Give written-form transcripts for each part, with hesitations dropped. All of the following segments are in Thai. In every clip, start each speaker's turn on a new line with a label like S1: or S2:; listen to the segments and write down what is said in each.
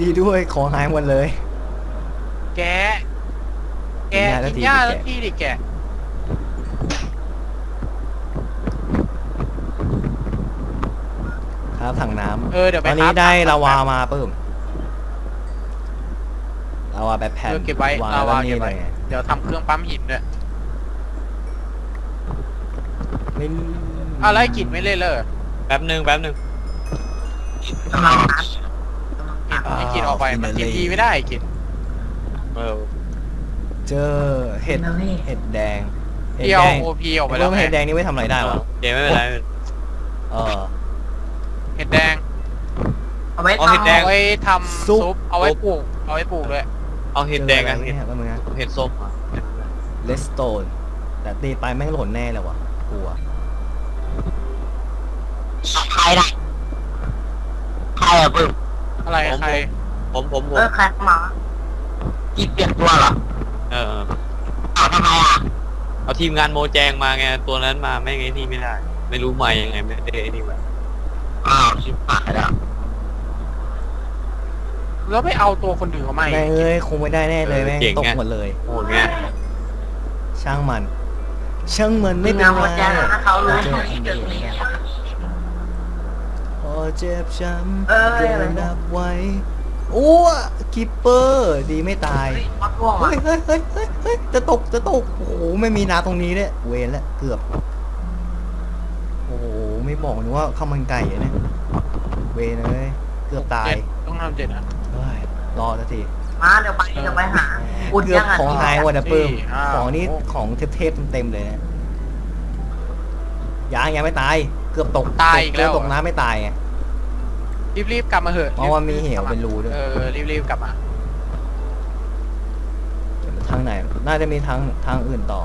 S1: ด้วยของหายหมดเลย
S2: แกกินหญ้าแล้วที่ดิแก
S1: ครับถังน้ำ
S2: เดี๋ยวไป
S1: ตอนนี้ได้ลาวามาปึ้มลาวาแบบแผ่น
S2: เก็บไว้ลาวาเก็บไว้เดี๋ยวทำเครื่องปั๊มหินด้วยอะไรกินไม่เล่นเลย
S3: แป๊บหนึ่ง
S4: กำลังนัด
S2: ไอ้กินออกไปมันกินทีไม่ได้กิน
S1: เจอเห็ดแดง
S2: เดียวโอพีออกไปแล้ว
S1: เห็ดแดงนี่ไม่ทำอะไรได้หรอ
S3: เดี๋ยวไม่เป็นไร
S2: เห็ดแดง
S4: เอาไว้
S2: ทำซุปเอาไว้ปลูกด้วย
S3: เอาเห็ดแดงกันเห็ดส้ม
S1: เลสโตนแต่ตีไปแม่งหล่นแน่เลยวะกลัว
S4: ใครล่ะใครอะปึ๊บ
S2: อะไรใคร
S3: ผม
S4: ใครมากีเปลี่ยนตัวเหรอทำไมอ่ะ
S3: เอาทีมงานโมแจงมาไงตัวนั้นมาไม่ไงนี่ไม่ได้ไม่รู้ใหม่ยังไงไม่ได้นี่แบบ
S4: ชิบหายแล้ว
S2: แล้วไม่เอาตัวคนอื่นเขาไม่
S1: คงไม่ได้แน่เลยแม่งตกหมดเลย
S3: โหดไง
S1: ช่างมันไม่เป็นไร
S4: เขารู้
S1: พอเจ็บช้ำเกินนับไว้โอ้คิปเปอร์ดีไม่ตายเฮ้ยจะตกโอ้โหไม่มีน้ำตรงนี้เนี่ยเวรแล้วเกือบโอ้โหไม่บอกนึกว่าข้าวมันไก่เนี่ยเวรเลยเกือบตาย
S2: ต้องทำ7นะ
S1: รอสักที
S4: มาเดี๋ยวไปหา
S1: เกือบของหายหมดนะปื้มของนี้ของเทพเต็มเลยนะยังไม่ตายเกือบตก
S2: ตายอีกแล้ว
S1: ตกน้ำไม่ตายไง
S2: รีบกลับมาเหอะ
S1: เพราะว่ามีเหวเป็นรูด้วย
S2: รีบกลับมา
S1: ทางไหนน่าจะมีทางอื่นต่อ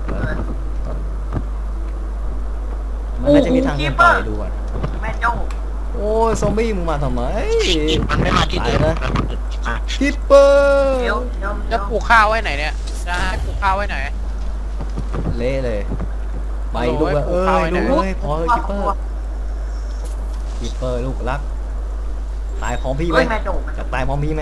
S1: มันน่าจะมีทางอื่นต่อดูก่อน
S4: แม่เจ้า
S1: โอ้ซอมบี้มึงมาทำไม
S4: มันไม่มาที่เดิมนะ
S1: คิปเปอร์
S2: จะปลูกข้าวไว้ไหนเนี่ยจะให้ปลูกข้าวไว้ไหน
S1: เละเลยไปลูกดูเลยพอคิปเปอร์ลูกรักตายพร้อมพี่ไหมจะตายพร้อมพี่ไหม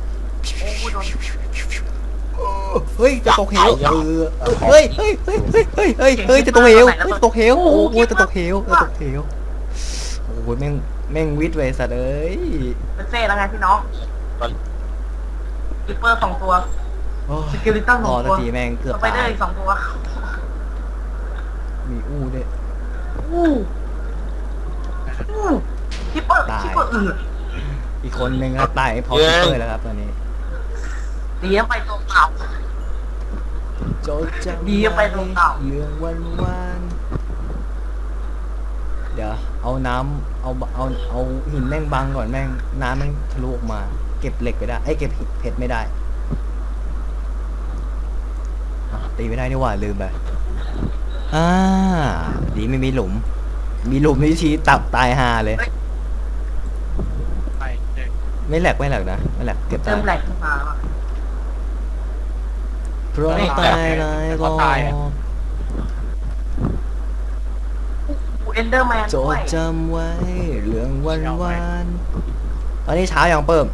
S1: เฮ้ยจะตกเหวเฮ้ยจะตกเหวโอ้ยจะตกเหวโอ้ยแม่งวิทย์เวสัตว์เอ้ย
S4: เป็นเซ่แล้วไงพี่น้องคิปเปอร์2ตัวสกิลิตัน2ตัว
S1: ทีแม่งเกือบ
S4: ไปได้2ตัว
S1: มีด้วย
S4: คิปเปอร์
S1: อีกคนนึงก็ตายพอคิปเปอร์แล้วครับตอนนี้
S4: ดีไปตรงเก่าดีไปตรงเก่า
S1: เรื่องวันเดี๋ยวเอาน้ำเอาหินแม่งบังก่อนแม่งน้ำแม่งทะลุออกมาเก็บเหล็กไปได้เก็บเพชรไม่ได้ตีไม่ได้นี่หว่าลืมไปดีไม่มีหลุมนี่ชี้ตับตายฮาเลยไม่แหลกนะไม่แหลกเก็บ
S4: เติมแหลกขึ้นมา
S1: เพราะตายเลยก็
S4: เอนเดอร์แมน
S1: จดจำไว้เรื่องวันตอนนี้เช้ายังเปิ่ม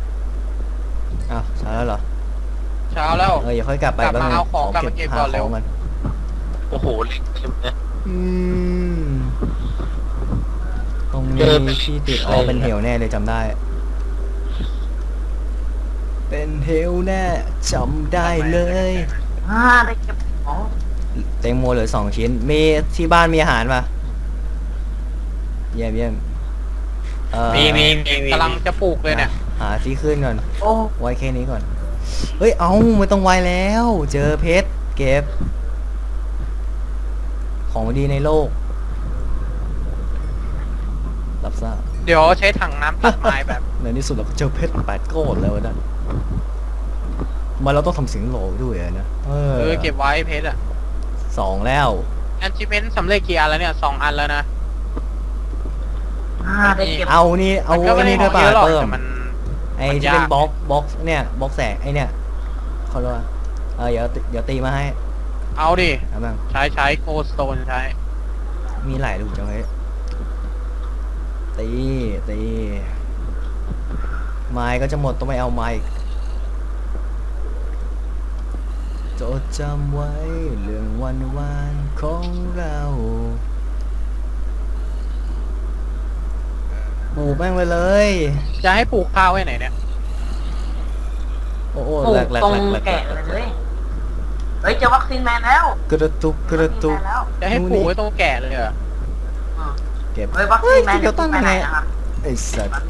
S1: เช้าแล้วเหรอ
S2: เช้าแล้ว
S1: อย่าค่อยกลับไปบ้าง
S2: เอาของกลับมาเก็บก่อนเร็ว
S1: กัน
S3: โอ้โหเล็กเต็มเลย
S1: ตรงนี้ที่ติดเป็นเหวแน่เลยจำได้เป็นเหวแน่จำได้เลย
S4: ได้เก็บของ
S1: เต็งโมเหลือ2 ชิ้นมีที่บ้านมีอาหารป่ะเยี่ยม
S3: มี
S2: กำลังจะปลูกเลยเนี่ย
S1: หาที่ขึ้นก่อนไว้แค่นี้ก่อนเฮ้ยไม่ต้องไวแล้วเจอเพชรเก็บของดีในโลกรับทราบ
S2: เดี๋ยวใช้ถังน้ำตัดไม้แบบ
S1: ในที่สุดเราก็เจอเพชร8 ก้อนแล้วนะมาเราต้องทำสิ่งโหลด้วยนะ
S2: เก็บไว้เพชร
S1: 2แล้ว
S2: achievement สำเร็จกี่อันแล้วเนี่ย2 อันแล้วนะ
S1: เอานี่ด้วยป่ะเพิ่มไอ้ที่เป็นบล็อกเนี่ยบล็อกแสงไอ้เนี่ยเขาเรียกว่าเดี๋ยวตีมาให้
S2: เอาดิใช้โกลสโตนใช้
S1: มีหลายลูกจังเลยตีไม้ก็จะหมดต้องไปเอาไม้อีกจดจำไว้เรื่องวันวานของเราปลูกแม่งไปเลย
S2: จะให้ปลูกข้าวไว้ไหนเนี่ย
S1: โอ้โห
S4: ปลู
S1: แหล
S4: ก
S1: กแหลก
S4: ตรง
S1: แหลกแหล
S4: แกะ
S1: ก
S4: เลยเฮ้ยเจอวัคซีนแมนแล้ว
S1: กระตุกกระตุก
S4: วัคซีนแมนแล้ว
S2: จะให้ปลูกไว้ตรงแก่เลยเหรอ
S4: อืม
S1: เก็บ
S4: เฮ้ยวัคซีนแมน
S1: เดี๋ยวตั้ง
S4: ไป
S1: ยัง
S4: ไหน
S1: ไง
S4: นะครับ
S1: ไอ้สัตว์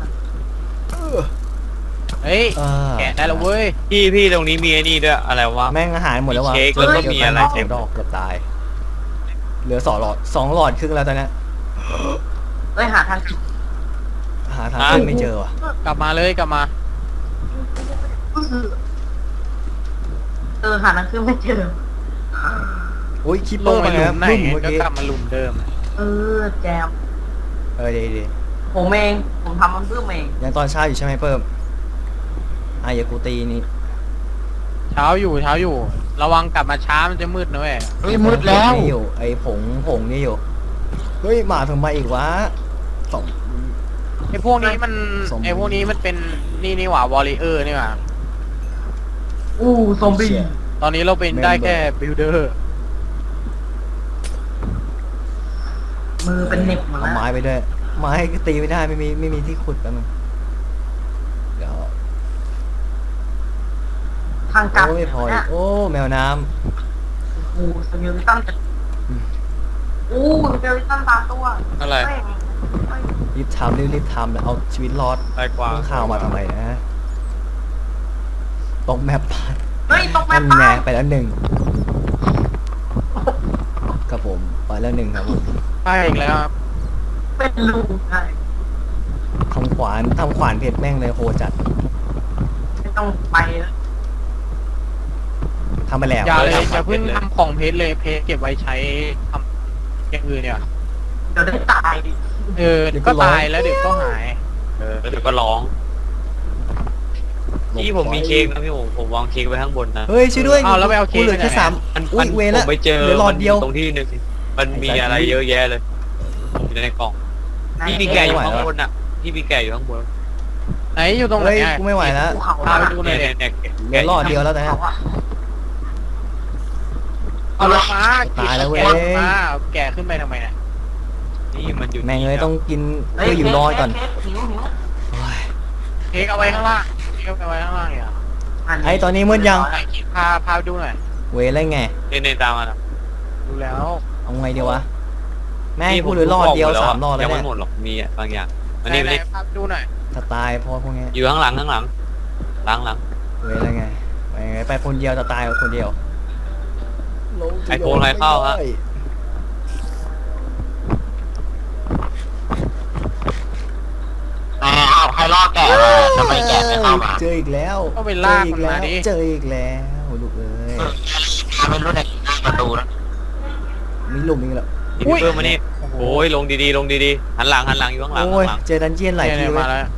S2: เฮ้ย
S1: อ่า
S2: แกะได้แล้วเว้ย
S3: พี่ตรงนี้มีไอ้นี่ด้วยอะไรวะ
S1: แม่งอาหารหมดแล้ววะ
S3: มีเค้กแล้วก็มีอะไรเต็
S1: เต็
S3: ม
S1: มดอกเกือบตายเหลือ2 หลอดครึ่งแล้วตอนนี้
S4: เฮ้ยหาทาง
S1: หาทางขึ้นไม่เจอว่ะ
S2: กลับมาเลยกลับมา
S4: หาทางขึ้นไม่เจอ
S1: อุ้ยคิปเป
S2: ล
S1: อง ร์
S2: ไป
S1: มา
S2: หลุ
S1: แล้ว
S2: มไหน
S1: บึ้มเมื่อ
S2: ก็
S1: กี้
S2: กลับมาหลุมเดิม
S4: แจม
S1: ดี
S4: ผมเองผมทำมันเพิ่มเอง
S1: ยังตอนเช้าอยู่ใช่ไหมเพิ่มอย่ากูตีนี่
S2: เช้าอยู่ ระวังกลับมาช้ามันจะมืดนะเว้ย
S4: เฮ้ยมืดแล้ว
S1: นี่อยู่ไอ้ผงนี่อยู่เฮ้ยมาถึงมาอีกวะสอง
S2: ไอ้พวกนี้มัน
S1: ซอมบี้
S2: ไอ้พวกนี้มันเป็นนี่หว่าวอลเลเยอร์นี่หว่า
S4: อู้ซอมบี้
S1: เชี่ย
S2: ตอนนี้เราเป็นได้แค่บิลเดอร์
S4: มือเป็นเหน็บหมด
S1: เอา
S4: แล้ว
S1: ไม้ไปด้วยไม้ก็ตีไม่ได้ไม่มีที่ขุดแป๊บนึงเดี๋ยว
S4: ทางกลับ
S1: โอ้ยพออี
S4: เนี่
S1: ก
S4: ย
S1: โอ้แมวน้
S4: โอ้สมิลตันจะอู้สมิลตันตามตัว
S3: อะไร
S4: เฮ้ยเฮ้ย
S1: ำรีบทำรีบทำแล้วเอาชีวิตรอด
S3: ไอ้กวาง
S1: ต้องข่าวมาทำไมนะตกแมป
S4: เฮ้ยตกแม่
S1: นั่นไง
S4: ป้าย
S1: ไปแล้วหนึ่งครับผมไปแล้วหนึ่งครับผม
S2: ใช่อีกแล้วครับ
S4: เป็นลูกใช่
S1: ทำขวานเพชรแม่งเลยโหจัด
S4: ไม่ต้องไปแล้ว
S1: ทำไปแล้ว
S2: อย่าเลย
S3: ทำ
S2: อย่าเพิ่ง
S3: เพชรเลย
S2: ทำของเพชรเลยเพชรเก็บไว้ใช้ทำอย่างอื่นเนี่ย
S4: เดี๋ยวได้ตายดิ
S2: เดี๋ยวก็ตายแล้วเดี๋ยวก็หาย
S3: แล้วเดี๋ยวก็ร้องพี่ผมมีเค้กนะพี่ผมวางเค้กไว้ข้างบนนะ
S1: เฮ้ยช่วยด้วย
S2: เอาแล้วไปเอาเค้ก
S1: กูเหลือแค่
S2: ไปไหน
S1: สาม
S3: มัน
S1: อุ้ยเวร
S3: ผ
S1: ละ
S3: มไปเจอ
S1: เหลือหลอดเดียว
S3: ตรงที่หนึ่งมันมีอะไรเยอะแยะเลยอยู่ในกล่องพี่มีแกะอยู่ข้างบนอ่ะพี่มีแกะอยู่ข้างบน
S2: ไหนอยู่ตรงไหน
S1: เฮ้ย
S2: อะ
S1: กูไม่ไหวแล้ว
S4: ภูเขา
S2: พาไปดูหน่อยดิ
S3: เนี่ย
S1: เหลือหลอดเดียวแล้วแต่
S4: เขาอะ
S2: เอาลงมา
S1: ตายแล้วเว้ย
S2: แกะลงมาเอาแกะขึ้นไปทำไมเนี่ย
S3: นี่มันอยู่
S1: แม่งเลยต้องกิน
S4: เฮ้
S1: เพื่ออยู่รอดก่อน
S4: หิว
S1: โอ้ย
S2: เค้กเอาไว้ข้างล่างเค้กเอาไว้ข้างล่างเนี่ย
S1: ไอ้ตอนนี้มืดยัง
S2: ไหนคิดพาไปดูหน่อย
S1: เวรอะไรไง
S3: เนี่ยตามมานะ
S2: ดูแล้ว
S1: เอาไงเดียววะแม่งกูเหลือหลอดเดียว3 หลอดแล้
S3: ยั
S1: ว
S3: งไม่
S1: เนี่ย
S3: หมดหรอกมีบางอย่างอัน
S2: ไหน
S3: นี้
S2: ไหน
S3: นี่
S2: พาไปดูหน่อย
S1: ถ้าตายเพราะพวกเนี้ย
S3: อยู่ข้างหลังหลัง
S1: เวรอะไรไงไปคนเดียวจะตายคนเดียว
S3: ไอโฟนใครเข้าฮะ
S4: อ้าวใครล่อแกะมาทำไมแกะไม่เข้ามา
S1: เจออีกแล้ว
S2: ก็ไปลากมันมาดิ
S1: เจออีกแล้วลูกเอ้ย
S4: ไม่รู้ในประตูนะ
S1: มีหลุมอีกแล้ว
S3: พี่เพิ่มมานี่โอ้ยลงดีๆหันหลังอยู่ข้างหลัง
S1: โอ้ยเจอดันเจียนหลายที
S2: เนี่ย
S1: เว้
S2: มาย แล้ว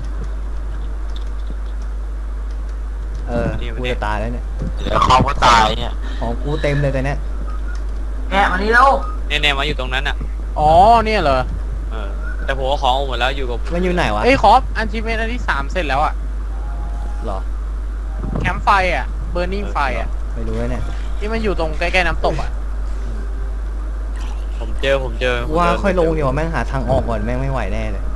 S1: กูจะตายแล้วเนี่ย
S4: เดี๋ยวเขาก็ตายเนี่ย
S1: ของกูเต็มเลยแต่เนี้ย
S4: แกะมานี่แล้ว
S3: เนี่ยมาอยู่ตรงนั้นอ่ะ
S2: อ๋อเนี่ยเหรอ
S3: แต่ผมเอาของหมดแล้วอยู่กับ
S1: มันอยู่ไหนวะ
S2: เอ้ยขออันชิเมนอันที่3เสร็จแล้วอ่ะ
S1: หรอ
S2: แคมป์ไฟอ่ะเบอร์นิ่งไฟอ่ะ
S1: ไม่รู้เลยเนี่ย
S2: ที่มันอยู่ตรงใกล้ๆน้ำตกอ่ะ
S3: ผมเจอ
S1: ว่าค่อยลงเดี๋ยวาแม่งหาทางออกก่อนแม่งไม่ไหวแน่เลย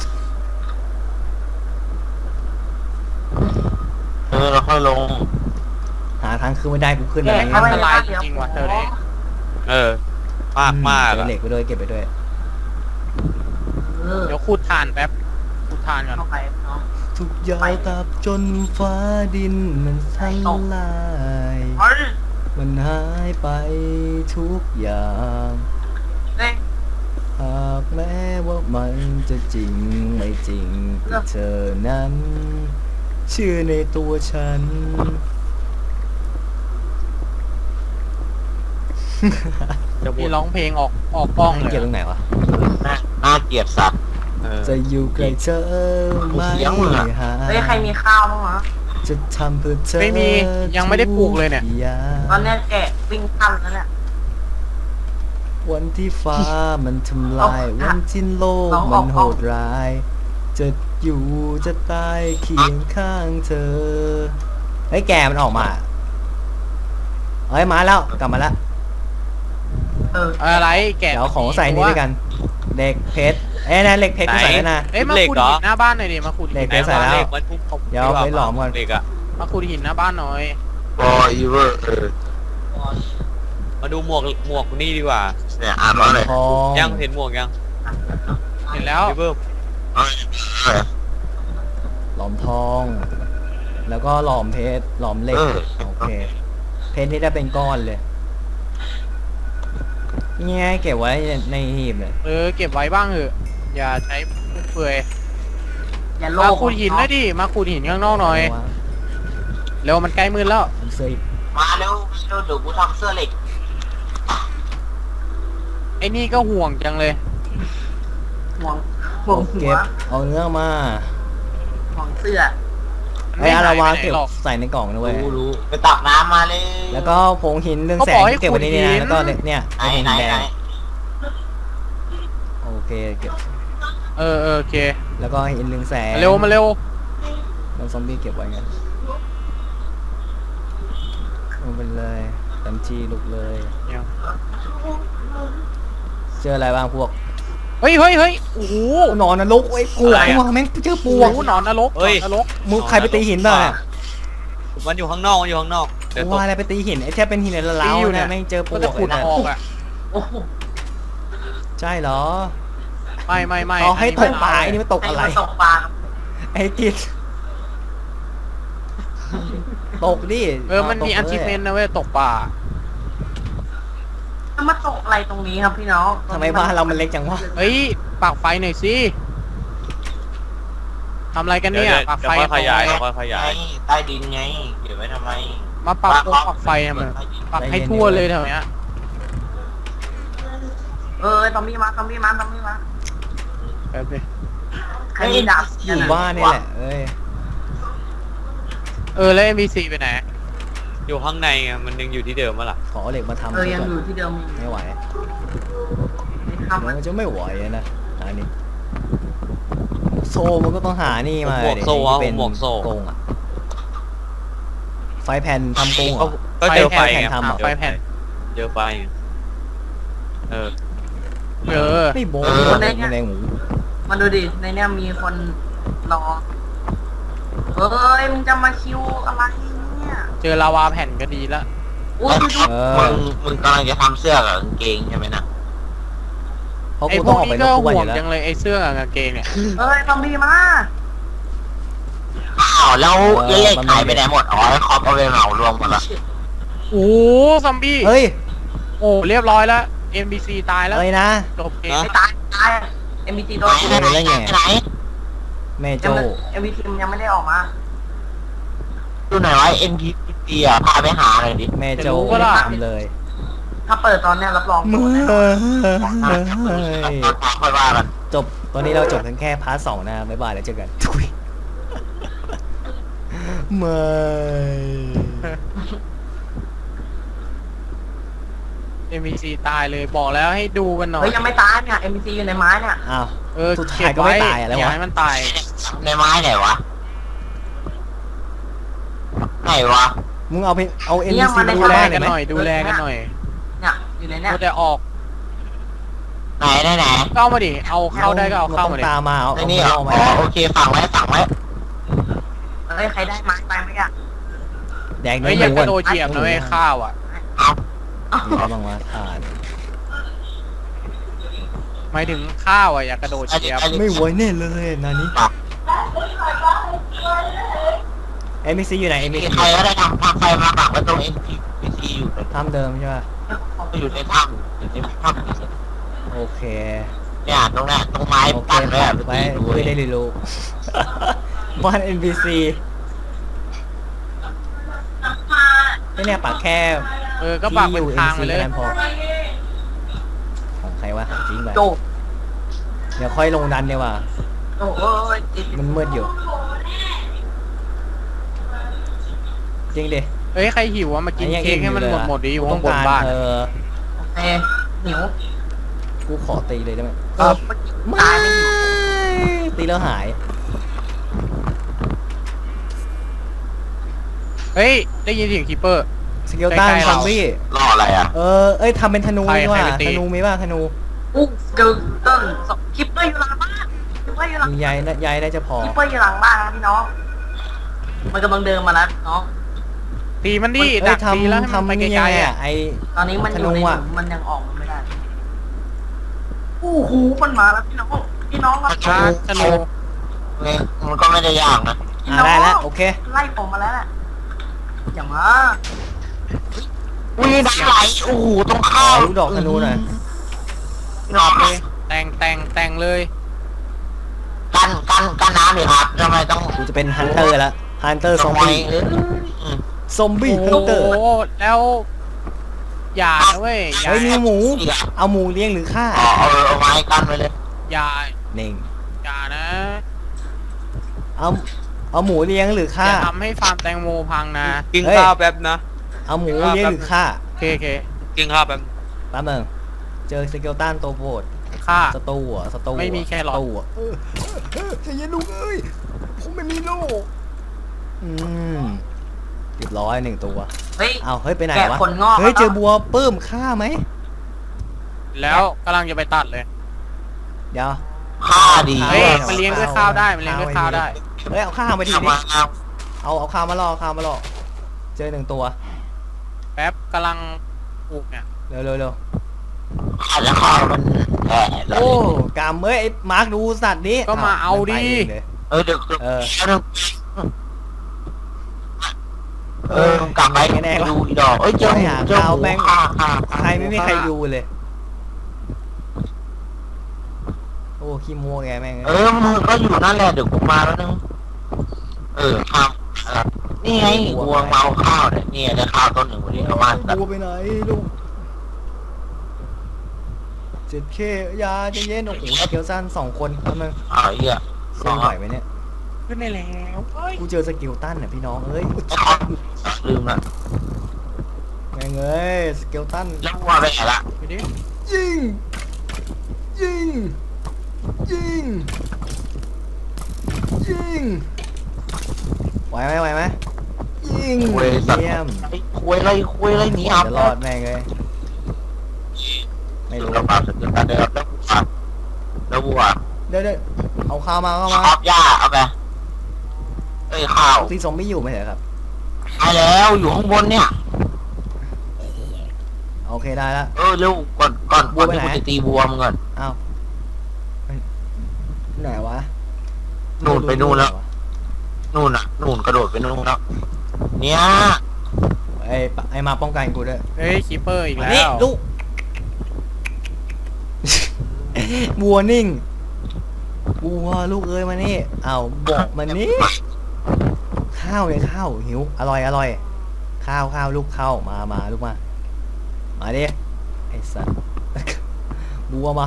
S4: เราค่อยลง
S1: หาทางขึ้นไม่ได้กูขึ้น
S4: แกะ
S1: อะไร
S4: เข้าไป
S1: เงี้ย
S2: อันตรายจริงๆว่ะเธอเนี่ย
S3: มาก
S1: เก็บเหล็กไปด้วยเก็บไปด้วย
S2: เดี๋ยวขูดถ่านแป๊บขูดถ่านก่อน
S4: เข้าไปเนาะ
S1: ทุกอยางตับจนฟ้าดินมันสลาย
S4: เฮ้ย
S1: มันหายไปทุกอย่าง
S4: เฮ้ย
S1: หากแม้ว่ามันจะจริงไม่จริงแต่เธอนั้น เชื่อในตัวฉัน
S3: จะพู
S2: มี
S3: ด
S2: ร้องเพลงออกกล้องเลย
S1: เก็บตรงไหนวะ
S4: น่าเกลียดสัตว์
S1: จะอยู่ใกล้เธอไม่
S4: เสียงมึงอะ
S1: หา
S4: เฮ้ยใครมีข้าวบ้างวะ
S1: จะทำเพื่อเธอ
S2: ไม่มียังไม่ได้ปลูกเลยเนี่ย
S1: ทุอย่าง
S4: ตอนเนี้ยแกะวิ่งทันแล้วเนี่ย
S1: วันที่ฟ้ามันทำลาย
S4: เอา
S1: วันที่โลก
S4: เอา
S1: มัน
S4: เอา
S1: โหดร้าย จะอยู่จะตายเคียงข้างเธอเฮ้ยแกมันออกมาเฮ้ยมาแล้วกลับมาแล้ว
S2: อะไรแกะ
S1: เดี๋ยวของใส่นี่ด้วยกันเหล็กเพชรเอ้ยนะเหล็กเพชรกูใส่แล้วนะ
S2: เอ้ยมาขุดหินหน้าบ้านหน่อยดิมาขุด
S1: เหล็
S2: หิ
S1: ก
S2: น
S1: เพชรใส่แล้ว
S3: เลขมันทุบ
S1: เดี๋ยวไปหลอมก่อน
S3: เหล็กอะ
S2: มาขุดหินหน้าบ้านหน่อย
S4: บออีเวอร์
S3: มาดูหมวกนี่ดีกว่า
S4: เนี่ยอ่านว่าอะไร
S1: ทอง
S3: ยังเห็นหมวกยัง
S2: เห็นแล้ว
S3: พี่เบิ้ม
S1: หลอมทอง แล้วก็หลอมเพชรหลอมเหล็กโอเคเพชรนี่ได้เป็นก้อนเลยนี่ไงเก็บไว้ในหีบเลย
S2: เก็บไว้บ้างเถอะอย่าใช้ฟุ่มเฟือย
S5: อย่าโล
S2: มา
S5: ภ
S2: ขุดหินหน่อยดิมาขุดหินข้างนอกหน่อยเร็วมันใกล้มืดแล้ว
S1: ผมซื้ออีก
S4: มาเร็วเดี๋ยวกูทำเสื้อเหล็ก
S2: ไอ้นี่ก็ห่วงจังเลย
S5: ห่วงห่วงหัว
S1: เก็บเอาเนื้อมา
S5: ห่วงเสื้อ
S1: ไอ้อาราวา
S2: ไม่หย
S1: เก็บ
S2: ไปไหนหรอก
S1: ใส่ในกล่องนะเว้ย
S4: รู้ไปตักน้ำมาเลย
S1: แล้วก็ผงหินเรื่องแส
S2: เขาบ
S1: ง
S2: อกให้
S1: เก็บไว้ในนี้
S2: ขุดหิ
S1: นะ
S2: น
S1: แล้วก็เนี่ย
S4: ไหน
S1: ไอ้หิน
S4: ไหน
S1: แด
S4: ไหน
S1: งโอเคเก็บ
S2: โอเค
S1: แล้วก็หินเรืองแสง
S2: มาเร็วมาเร็ว
S1: แล้วซอมบี้เก็บไว้กันลงไปเลยเต็มที่ลุกเลย
S2: ยัง
S1: เจออะไรบ้างพวก
S2: เฮ้ยโอ้โห
S1: หนอนนรกไอ้ยปวกว่ะแม่งเจอปวก
S2: โอ้โหหนอนนรกหนอนนรก
S1: มึงใครไปตีหินบ้างเนี่ย
S3: มันอยู่ข้างนอกมันอยู่ข้างนอกเดี๋ยวตก
S1: ว่าอะไรไปตีหินไอ้แค่เป็นหินละลาวนะแม่งเจอป
S2: ก็
S1: ว
S2: จะ
S1: ก
S2: ขุด
S1: เลยนะ
S2: ออกอ่ะ
S5: โอ้โห
S1: ใช่เหรอ
S2: ไม่
S1: เอาให้ตกปลา
S2: อั
S1: ไอ้นี่มันตก
S5: ไอ้
S1: อะไร
S5: มันตกปลา
S1: ไอ้กิจตกดิ
S2: มันมีอันชิเมนนะเว้ยตกปลา
S5: จะมาตกอะไรตรงนี้ครับพี่น้อง
S1: ทำไมบ้านเรามันเล็กจังวะ
S2: เฮ้ยปากไฟหน่อยสิทำอะไรกันเนี่ยปาก
S3: เดี๋ย
S2: ไฟ
S3: วค่อยขยาย
S2: ป
S3: เดี๋ยว
S2: กไฟ
S3: ค่อยขยาย
S4: ใต้ดินไงเก็บไว้ทำไม
S2: มาปักโคปักไฟทำไมปักให้ทั่วเลยแถวเนี้ย
S5: ตอมบี้มาตอมบี้มา
S2: แป๊บดิ
S5: ใครมีดาบ
S1: อยู่บ้านนี่แหละเอ้ย
S2: แล้ว NPC ไปไหน
S3: อยู่ข้างในไงมันยังอยู่ที่เดิมมั้ล่ะ
S1: ขอเหล็กมาทำ
S5: ยัง
S1: ก่อน
S5: อยู่ที่เดิม
S1: ไม่ไหว
S5: ทำ
S1: มันจะไม่ไหวนะอันนี้โซ่มันก็ต้องหานี่มา
S3: หมวกโซ่
S1: ที่เป็น
S3: หมวกโซ่
S1: กงอะไฟแผ่นทำกงเหรอ
S3: ก็เจอไฟ
S1: ไฟแผ่น
S3: ไง
S1: ทำเหรอ
S2: ไฟแผ่น
S3: เจอไฟไงเออ
S1: ไม่โบ้มันแรงหมู
S5: มาดูดิในเนี้ยมีคนรอมึงจะมาคิวอะไรเนี่ย
S2: เจอลาวาแผ่นก็ดีละ
S5: อุ้ยดู
S4: มึงกำลังจะทำเสื้อกับกางเกงใช่ไหมนะ
S1: เพราะ
S2: ไอ้
S1: กู
S2: พ
S1: ต้
S2: ว
S1: อง
S2: ก
S1: ออกไป
S2: นี้
S1: ร
S2: ก็
S1: บกวน
S2: ห่
S1: อ
S2: วง
S1: ยู่แล้ว
S2: จังเลยไอ้เสื้อกับกางเกงเนี่ย
S5: ซอมบี้มา
S4: อ้าวแล้วเลขหายไปไหนหมดอ๋อคอปเอาไปเหมารวมหมดละ
S2: โอ้ซอมบี้
S1: เฮ้ย
S2: โอ้เรียบร้อยแล้ว NPC ตายแล้ว
S1: เอ้ยนะ
S2: จบเกม
S5: ไม่ตายMBT โดน
S4: ไหน
S1: แม่โจ
S5: MBT มันยังไม่ได้ออกมา
S4: ดูหน่อยว่า NPC อ่ะพาไปหาหน่อยดิ
S1: แม่โจทำเลย
S5: ถ้าเปิดตอนเนี้ยรับรอง
S1: มือ
S4: ค่อยว่ากัน
S1: จบตอนนี้เราจบกันแค่พาร์ท 2นะบ๊ายบายแล้วเจอกันทุยไม่
S2: NPC ตายเลยบอกแล้วให้ดูกันหน่อย
S5: เฮ้ยยังไม่ตายเนี่ย MBT อยู่ในไม้เนี่ย
S1: อ้าว สุดท้าย
S2: เก็บ
S1: ก็ไม่
S2: ไว้
S1: ตายอะไรวะ
S2: อย่าให้มันตาย
S4: ในไม้ไหนวะไหนวะ
S1: มึงเอา
S5: เนี่ย
S1: NPC
S5: มัน
S1: มา
S5: ใน
S1: ดู
S2: ดู
S1: แล
S2: แล
S1: หน่
S2: กั
S1: อย
S2: น
S1: ไหม
S2: หน่อยดูแลกันหน่อย
S5: เนี่ยอยู่ในเนี่ย
S2: ก็จะออก
S4: ไหน
S2: เข้ามาดิเอาเข้าได้ก็เอาเข้ามาดิ
S1: ตามมาเอา
S4: ในนี่เหรอ
S1: เอามา
S4: อ๋อโอเคฝังไว้
S5: เฮ้ยใครได้ไม้ไปไหมอ่ะ
S1: แดง
S2: เฮ้ย
S1: ห
S2: อย่า
S1: มู
S2: กระโดดเหยียบนะเว้ยข้าวอ่ะ
S1: มีอะไรบ้างวะทาน
S2: หมายถึงข้าวอ่ะอย่ากระโดดเหยียบ
S1: ไม่ไหวแน่เลยนานี้ NPC อยู่ไหน
S4: มี
S1: NPC
S4: ใครก็ได้ทำไฟมาปักไว้ตรง NPC อยู่เลย
S1: ทำเดิมใช่ป่ะ
S4: อยู่ในถ้ำอยู่ในถ้ำ
S1: โอเค
S4: เนี่ยตรงเนี้ยตรงไม้
S1: โอเค
S4: ปั้นไว้อะ
S1: ไว้ไม่ได้รีรู้ บ้าน NPC ไม่เนี่ยปักแค่
S2: ก็ปากเป็นทางไปเลย
S1: ที่อยู่ NPC แค่นั้นพอของใครวะจริงไป
S5: โจ
S1: เดี๋ยวค่อยลงดันดีกว่า
S5: โอ้ย
S1: มันมืดอยู่ จริงดิ
S2: เฮ้ยใครหิวอ่ะมากินเค้กให้มันหมดดิอยู่ข้างบนบ้าน
S1: เออ
S5: โอเคหิว
S1: กูขอตีเลยได้ไหม
S5: ตายไม่หิว
S1: ตีแล้วหาย
S2: เฮ้ยได้ยินเสียงคีเปอร์
S1: สเกลตัน
S2: ใกล้ๆ
S1: ซอ
S2: เรา
S1: มบี้
S4: รออะไรอ่ะ
S1: เอ้ยทำเป็นธนู
S2: ใคร
S1: ดีกว่า
S2: ใครไปตี
S1: ธนูมีป่ะธนู
S5: อู้เกิลต้นคิปเปอร์อยู่หลังบ้านคิปเปอร์อยู่หลัง
S1: มีใยน่าจะพอ
S5: คิปเปอร์อยู่หลังบ้านนะพี่น้องมันกำลังเดินมาแล้วน้อง
S2: ตีมันดิ
S1: เอ้
S2: ดั
S1: ย
S2: กตีแล้วให้
S1: ทำ
S2: มันไป
S1: นี่
S2: ไก
S1: ยัง
S2: ล
S1: ไง
S2: ๆ
S1: อ่ะ
S2: อ่ะ
S1: ไอ
S5: ตอนนี้มันอยู่ใน
S1: ธนูอะ
S5: หลุมมันยังออกมาไม่ได้อู้หูมันมาแล้วพี่น้องพี่น้องครับ
S2: ชาร์จธนู
S4: เนี่ยมันก็ไม่ได้ยากนะ
S5: พี่น้อง
S1: ได้แล้วโอเค
S5: ไล่ผมมาแล้วแหละอย่างมา
S4: อุ้ยดังไหลโอ้โหตรง
S1: ข
S4: ข้า
S1: อ
S4: ว
S1: ลูกดอกธนูหน่อย
S4: ดอกเลย
S2: แต่งเลย
S4: กันน้ำเลยครับทำไมต้อง
S1: กูจะเป็นฮันเตอร์ละฮันเตอร์ซอมบี้ ซอมบี้ฮัน
S2: โอ้
S1: เตอร์
S2: โหแล้วอย่านะเว้ยอย่า
S1: เฮ้ยมีหมู เอาหมูเลี้ยงหรือฆ่า
S4: เอาไม้กันไปเลย
S2: อย่า
S1: เน่ง
S2: อย่านะ
S1: เอาหมูเลี้ยงหรือ
S2: อ
S1: ฆ่า
S2: ย่าทำให้ฟาร์มแตงโมพังนะ
S3: กินข้าวแป๊บนะ
S1: เอาหมูเลี้ยงหรือฆ่า
S2: โอเค
S3: กินข้าวแป๊บ
S1: แป๊บนึงเจอสเกลตันตัวโบด
S2: ฆ่า
S1: สตูอ่ะสตู
S2: ไม่มีแครอท
S1: สตูอ่ะใจเย็นลูกเอ้ยผมไม่มีลูกเรียบร้อย1 ตัว
S5: เฮ้ย
S1: เอาเฮ้ยไปไหน
S5: แกะ
S1: วะ
S5: ขนงอก
S1: เฮ้ย
S5: แล้ว
S1: เจอบัวปื้มฆ่าไหม
S2: แล้วกำลังจะไปตัดเลย
S1: เดี๋ยว
S4: ข้าดี
S2: เฮ้ยมันเลี้ยงด้วยข้าวได้มันเลี้ยงด้วยข้าวได้
S1: เฮ้ยเอาข้าวมาที
S4: ทำ
S1: ดิ
S4: มา
S1: เอาข้าวมาล่อเจอ1 ตัว
S2: แป๊บกำลังปลูกเนี่ย
S1: เร็ว
S4: ข้าจะข้าวมันแย่เลย
S1: โอ้กามเอ้ยไอ้มาร์คดูสัตว์นี้
S2: ก็มาเอาดิ
S1: ไปงเลย
S4: เดี๋ยว
S1: เออ
S4: กลับไปดูอีดอกเจอข้า
S1: ใครไม่มีใครดูเลย โอ้ขี้มัวแกแม่ง
S4: มึงก็อยู่นั่นแหละเดี๋ยวกูมาแล้วนึงข้าวนี่ไงวัวเมาข้าวเนี่ยนี่ได้ข้าวต้นหนึ่งวันนี้เอามา
S1: บัวไปไหนลูก7K ยาจะเย็นโอ้โหเกียวสั้น2 คนแล้วมึง
S4: เหี้ย
S1: เส้นไหวไหมเนี่ย
S2: ขึ้นได้แล้วเฮ้ย
S1: กูเจอสกิลตันน่ะพี่น้องเอ้ย
S4: ลืมละ
S1: แม่งเอ้ยสกิลตัน
S4: แล้ววัวไปไหนละ
S2: ไปดิ
S1: ยิงไหวไหมยิงเยี่ยม
S4: คุยอะไรหนีอับ
S1: จะรอดแม่งเลยไม่รู้
S4: เราปราบสกิลตันได้ครับแล้ววัว
S1: เดี๋ยวเอาข้าวมา
S4: ชอบหญ้าเอาไปข้าว
S1: ตีซอมบี้อยู่ไหมเหรอครับ
S4: ตายแล้วอยู่ข้างบนเนี่ย
S1: โอเคได้แล้ว
S4: เร็วก่อนที่กูจะตีวัวมึงก่อน
S1: อ้าวไหนวะ
S4: นู่นไปนู่นแล้วนู่นกระโดดไปนู่นแล้วเนี่ย
S1: ไอ้มาป้องกันกูด้วย
S2: เฮ้ยคีเปอร์อีกแล้
S1: นี่
S2: ว
S1: ลูก วัวนิ่งวัวลูกเอ้ยมานี่เอาบอกมันนี่ข้าวเลยข้าวหิวอร่อยข้าวลูกข้าวมาลูกมาดิไอ้สัสบัวมา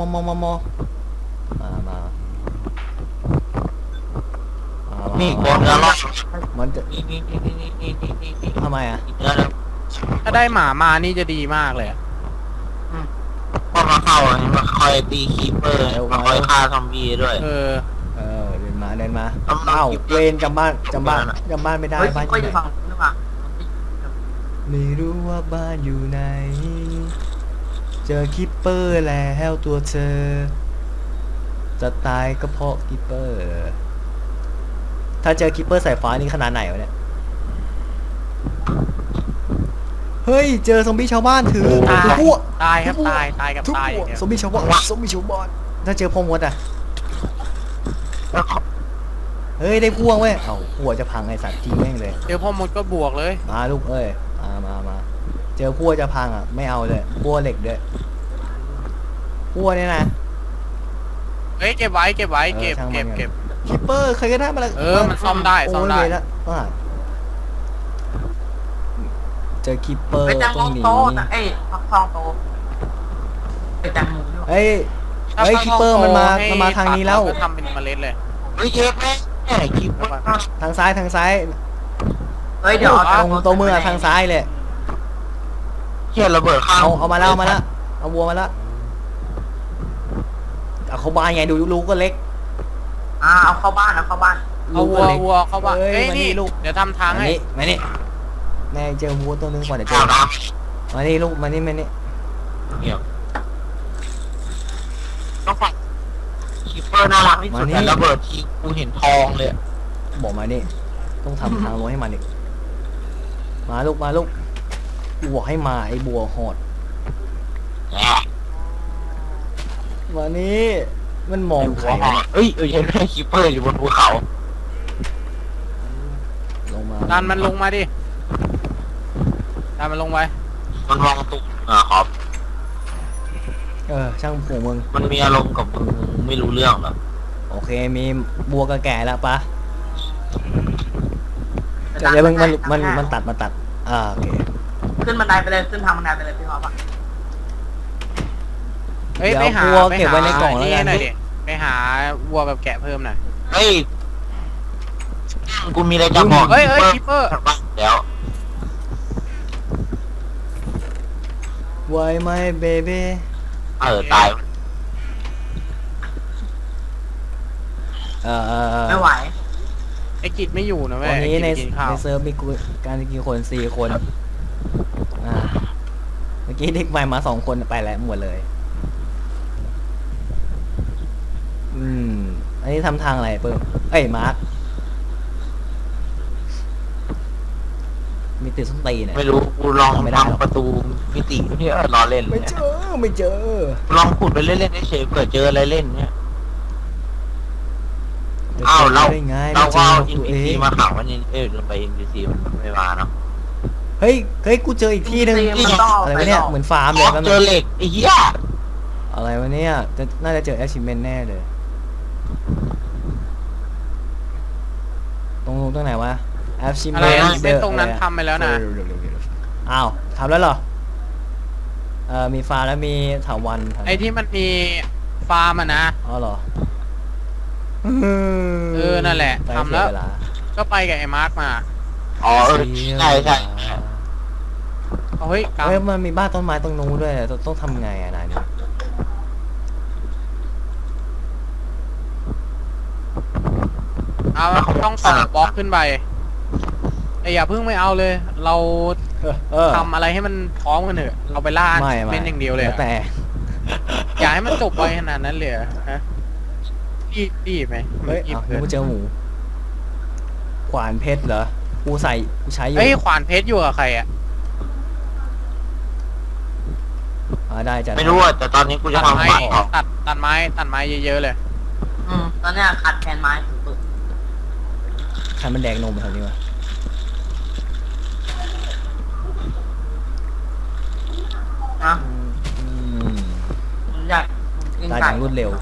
S4: นี่บอลแล้ว
S1: มันจะทำไมอ่ะ
S2: ถ้าได้หมามานี่จะดีมากเลยอะ
S4: พอมาเข้ามาคอยตีคีเปอร์มาคอยฆ่าซอมบี้ด้วย
S2: เออ
S1: เดินมาเอ้าเวรจำบ้านไม่ได้
S5: เฮ้ย
S1: บ้าน
S5: ก็
S1: อยู่
S5: จะ
S1: ไหน
S5: ฟังนึกว่า
S1: ไม่รู้ว่าบ้านอยู่ไหนเจอคิปเปอร์แล้วตัวเธอ จะตายก็เพราะคิปเปอร์ ถ้าเจอคิปเปอร์สายฟ้านี่ขนาดไหนวะเนี่ยเฮ้ยเจอซอมบี้ชาวบ้านถือพวก
S2: ตายครับตายกับ
S1: ทุก
S2: ตาย
S1: พ
S2: อ
S1: ว
S2: ย่าก งเดียว
S1: ซอมบี้ชาวบ้านถ้าเจอพ่อมดอ่ะเฮ้ยได้พ่วงเว้ยเอ้าหัวจะพังไอ้สัตว์จริงแม่งเลย
S2: เดี๋ยวพ่อมดก็บวกเลย
S1: มาลูกเอ้ยมาเจอพัวจะพังอ่ะไม่เอาเลยพัวเหล็กด้วยพัวเนี่ยนะ
S2: เฮ้ยเก็บไว้เก็บ
S1: ช่างมัน
S2: เก็บ
S1: คิปเปอร์เคยก็ได้มาแล้ว
S2: มันซ่อมได้ซ่อมได้
S1: โยแล้วเจอคิปเปอร์
S5: ไปแตง
S1: ต
S5: โม
S1: รงนี้
S5: โตนะฟักทองโตไปแตงโมด้วย
S1: เฮ้ยคิปเปอร์มันมาทางนี้แล้ว
S2: ทำเป็นเมล็ดเลย
S4: เยอะแม่คีเปอร์
S1: ทางซ้าย
S5: เฮ้ยเดี๋ยว
S1: ตรงมือทางซ้ายเลย
S4: เชี่ยระเบิดข้าง
S1: เอามาแล้วเอาวัวมาแล้วเอาเขาบ้านไงดูลูกก็เล็ก
S5: เอาเข้าบ้าน
S2: เอาวัวเข้าบ้าน
S1: เอ้ย
S2: เฮ้ย
S1: มานี่
S2: นี่
S1: ลูก
S2: เดี๋ยวทำทางให้
S1: มานี่แม่เจอวัวตัวนึงก่อนเดี๋ยวเจ
S4: ข้า
S1: อ
S4: วน้
S1: มานี่ลูกมานี่มานี่
S4: ำเงียบต้องฝังคิปเปอร์น่ารักที่สุดแต่ระเบิดทีกูเห็นทองเลย
S1: บอกมานี่ต้องทำทางลงให้มันอีกมาลูกมาลูกกูบอกให้มาไอ้บัวโหดมานี่มันมองใครวะ
S4: เอ้ยเห็นไหมคิปเปอร์อยู่บนภูเขา
S1: ลงมา
S2: ดันมันลงมาดิดันมันลงไป
S4: มันมองตุ๊กขอบ
S1: ช่างผูมึง
S4: มันมีอารมณ์กับมึงไม่รู้เรื่องหรอก
S1: โอเคมีบัวกระแก่แล้วปะเดี๋ยวมันตัดโอเค
S5: ขึ้นบันไดไปเลยขึ้นทางบันไดไปเลยพี่ครับ
S2: เฮ้ย
S1: เดี๋ยว
S2: ไปหา
S1: วัวเก็บไว้ในกล่องแล้วกัน
S2: หน่อยดิไปหาวัวแบบแกะเพิ่มหน่อย
S4: เฮ้ยกูมีอะไรจะบอก
S2: เฮ้ยคิปเปอร์
S4: เดี๋ยว
S1: ไว้ไหมเบเบ้
S4: ตาย
S5: ไม่ไหว
S2: ไอ้กิจไม่อยู่นะเว้ย
S1: วันนี้ใน
S2: ไอ้กิจไปกินข้าว
S1: เซิร์ฟมีการกินคน4 คนเมื่อกี้เด็กใหม่มา2 คนไปแล้วหมดเลยอันนี้ทำทางอะไรเพิ่มมาร์คมีติดส้นตีนเนี่ย
S4: ไม่รู้กูลองทำประตูมิติที่รอเล่น
S1: ไม่เจอ
S4: ลองขุดไปเล่นๆเฉยๆเผื่อเจออะไรเล่นเนี่ยอ้าวเรา
S1: ได้ไง
S4: เราก็เอา
S1: ไม่
S4: อิน
S1: เจ
S4: พี
S1: อ
S4: ซี
S1: ตัวเอง
S4: มาขังมันนี่ลงไปอินพีซีมันไม่มาเนาะ
S1: เฮ้ยกูเจออีกที่หนึง
S5: มันต้องเอา
S1: อะไร
S5: ไป
S1: วะเนี่ย
S5: หรอก
S1: เหมือนฟาร์มเลยครับ
S4: เจอเหล็กไอ้เหี้ย
S1: อะไรวะเนี่ยน่าจะเจอ achievement แน่เลยตรงไหนวะ achievement
S2: อะไรนะเส้นตรงนั้นทำไปแล้วนะ
S1: อ้าวทำแล้วเหรอมีฟาร์มแล้วมีถาวร
S2: ไอ้ที่มันมีฟาร์มอะนะ
S1: อ๋อเหรอ
S2: นั่นแหละ
S1: ไป
S2: ทำแล้ว
S1: เสียเา
S2: ก็ไปกับไอ้มาร์คมา
S4: อ๋อใช่
S2: เอาเฮ้ยก
S1: เฮ้ยมันมีบ้านต้นไม้ตรงนู้นด้วยต้องทำไงนายนี่
S2: เอาต้องต่อบล็อกขึ้นไปแต่อย่าเพิ่งไม่เอาเลย เราทำอะไรให้มันพร้อมกันเถอะเราไปล่า
S1: ไม่
S2: เป็นอย่างเดียวเลย
S1: แล้วแต่
S2: อย่าให้มันจบไปขนาดนั้นเลยเหรอฮะรีบไหม
S1: เฮ้ย
S2: รีบ
S1: เอา
S2: เกิน
S1: กูเจอหมูขวานเพชรเหรอกูใช้อยู่
S2: เฮ้ยขวานเพชรอยู่กับใครอ่ะ
S1: ได้จ้ะ
S4: ไม่รู้อ่ะแต่ตอนนี้กูจะ
S2: ตัด
S4: ทำ
S2: ไม้
S4: บ้านต่อ
S2: ตัดไม้เยอะๆเลย
S5: ตอนเนี้ยขัดแทนไม้สุด
S1: ใครมันแดงนมมาทำนี้วะ
S5: ๆนะ
S1: อืม
S5: ผมอยากกิน
S1: ตัดอ
S5: ไก่
S1: ย่างรวดเร็ว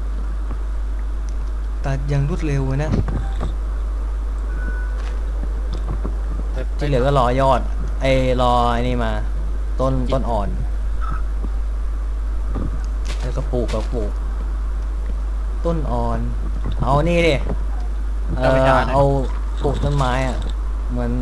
S1: นะที่เหลือก็รอยอดรอไอ้นี่มา ต้นอ่อนแล้วก็ปลูกต้นอ่อน เอานี่ดิเอาปลูกต้นไม้อ่ะเหมือน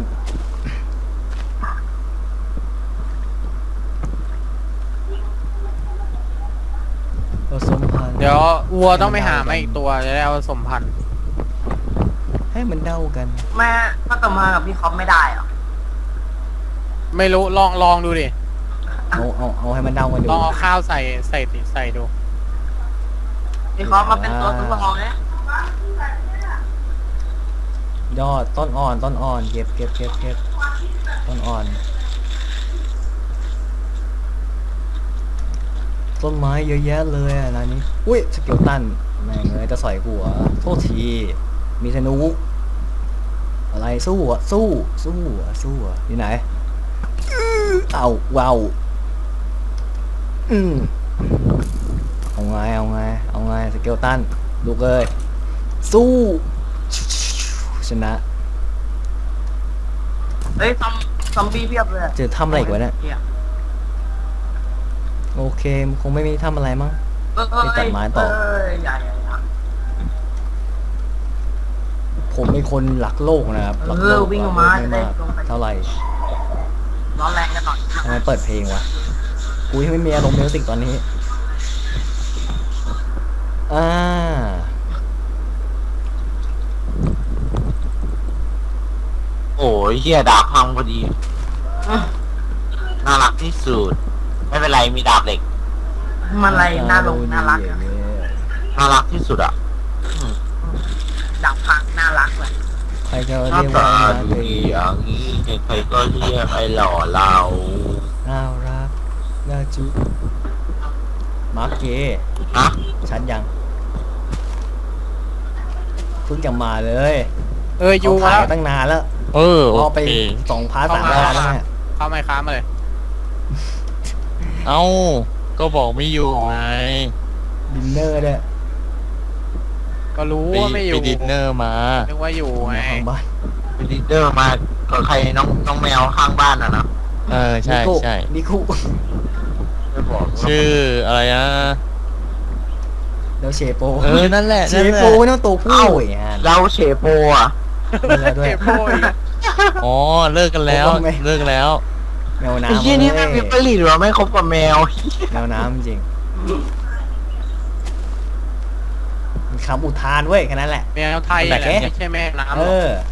S1: ผสมพันธุ์
S2: เดี๋ยววัวต้องไปหามาอีกตัวจะได้เอาผสมพันธุ์
S1: ให้มันเด้ากัน
S5: แม่ก็ต่อมากับพี่คอปไม่ได้เหรอ
S2: ไม่รู้ลองดูดิ
S1: เอาให้มันเด้ากันดู
S2: ลองเอาข้าวใส่ดู
S5: พี่คอปมาเป็นตัวทุกทองเนี่ย
S1: ยอดต้นอ่อนเก็บต้นอ่อนต้นไม้เยอะแยะเลยอ่ะร้านนี้อุ้ยสเกลตันแม่งเลยจะสอยกูเหรอโทษทีมีธนูอะไรสู้อยู่ไหนเอาว้าวเอาไงสเกลตันลูกเอ้ยสู้ชนะ
S5: เฮ้ยซอมบี้เพียบเลย
S1: เจอทำอะไรอีกวะเนี่ยโอเคคงไม่มีทำอะไรมั้ง ไปตัดไม้ต่อ
S5: อย่า
S1: ผมเป็นคนรักโลกนะครับรักโลก
S5: วิ่งออกมาจะ
S1: ไม่
S5: ได้
S1: มาก
S5: ลงไป
S1: เท่าไหร่
S5: ร้อนแรงกันหน่อย
S1: ทำไมเปิดเพลงวะกูยังไม่มีอารมณ์มิวสิกตอนนี้
S4: โอ้ยเหี้ยดาบพังพอดีน่ารักที่สุดไม่เป็นไรมีดาบเหล็ก
S5: มันอะไรน่าลงน่ารักอะ
S4: น่ารักที่สุดอ่ะ
S5: ดับพังน่ารักเลย
S1: ใครจะ
S4: หน้า
S1: เรียกว่า
S4: ตา
S1: นา
S4: ดู
S1: เก
S4: ดีอย่างนี้ใครๆก็เรียกไอ้หล่อเรา
S1: น่ารักน่าจุมาร์คเก
S4: ฮะ
S1: ฉันยังเพิ่งจะมาเลย
S2: อยู่
S1: เขา
S2: มา
S1: ขาย
S2: แล้ว
S1: ตั้งนานแล้ว
S6: เออโอ
S1: รอไป
S6: เค
S1: 2 พาร์ท 3 พาร์ทแล้วเนี่ย
S2: เข้าไมค์ค้ามาเลย
S6: เอ้าก็บอกไม่อยู่ไง
S1: ดินเนอร์ด้วย
S2: ก็รู้
S6: ไป
S2: ว่าไม่อยู่
S6: ไปดินเนอร์มา
S2: นึกว่าอยู่ไง
S1: มาทางบ้าน
S4: เป็นลีดเดอร์มาก็ใครน้องแมวข้างบ้านอ่ะนะ
S6: เออใช่
S1: นิคุ
S6: ใช่
S1: นิคุ
S4: ไม่บอก
S6: ชื่ออะไรนะ
S1: แล้วเชโป
S6: เออนั่นแหละ
S1: เช
S6: นั่นแห
S1: โป
S6: ละ
S1: ไม่ต้องตัวผู้อย่างนั้น
S4: เราเฉโปอ่ะ
S1: มีแล้วด้วย
S2: เก็บโป้อีก
S6: อ๋อเลิกกันแล้ว
S1: ผมว่าไม่
S6: เลิกกันแล้ว
S1: แมว
S4: ไอ้
S1: น้ำ
S4: เหี้ยนี่ไม่มีผลิตหรอไม่คบกับแมว
S1: แมวน้ำจริงมีคำอุทานเว้ยแค่นั้นแหละ
S2: แมวไทยแหละไม่ใช่แม่น้ำห
S1: เอ
S2: รอก
S1: อ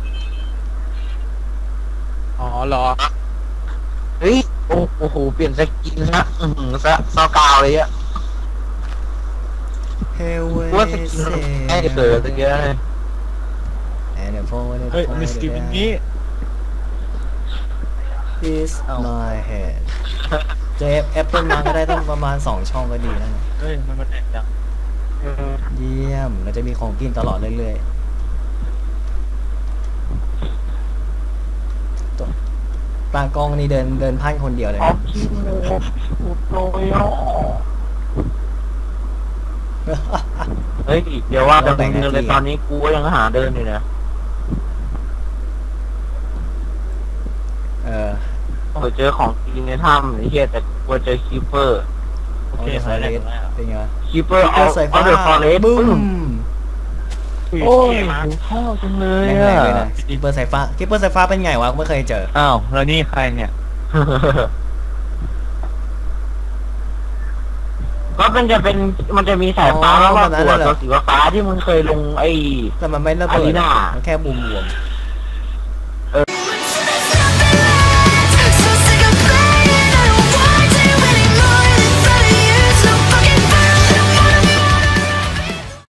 S2: อ๋อเหรอ
S4: เฮ้ยโอ้โหเปลี่ยนสกินนะซอกาวเลยอ่ะ
S1: เฮเว
S4: ว่าสกินให้เกิดตั้งเยอะเลย
S6: เฮ้ยมิสกินนี้
S1: is my head เจฟแอปเปิลมาก็ได้ต้องประมาณ2 ช่องก็ดีแล้วนะ
S6: เฮ้ยมันแตกจัง
S1: เยี่ยมเราจะมีของกินตลอดเรื่อยๆตัวปลากองนี่เดินพันคนเดียวเลยนะ
S4: เฮ้ยเดี๋ยวว่าแต่มึงเดินเลยตอนนี้กูก็ยังหาเดินอยู่นะ
S1: เออ
S4: เจอของกินในถ้ำไอ้เหี้ยแต่กลัวเจอคีเปอร์
S6: โอเค
S1: ฟ
S6: ใส่
S1: อ
S6: แล้
S1: เร
S6: ว
S1: สเป็นไงวะ
S4: คีเปอร์
S1: ก็ใส่ฟ้า
S4: เดอร์ฟอเรส
S1: บึ้ม
S4: โอ้ยหิวข้าวจังเลย
S1: แรงๆ
S4: อ่ะ
S1: เลยนะกิปเปอร์สายฟ้ากิปเปอร์สายฟ้าเป็นไงวะไม่เคยเจอ
S6: อ้าวแล้วนี่ใครเนี่ย
S4: ก็มันจะมีสายฟ้าแล้วก็ตัวสีฟ้าที่มึงเคยลงไอ้
S1: แต่มันไม่ระเบิ
S4: อารี
S1: ด
S4: นา
S1: มันแค่บวมๆ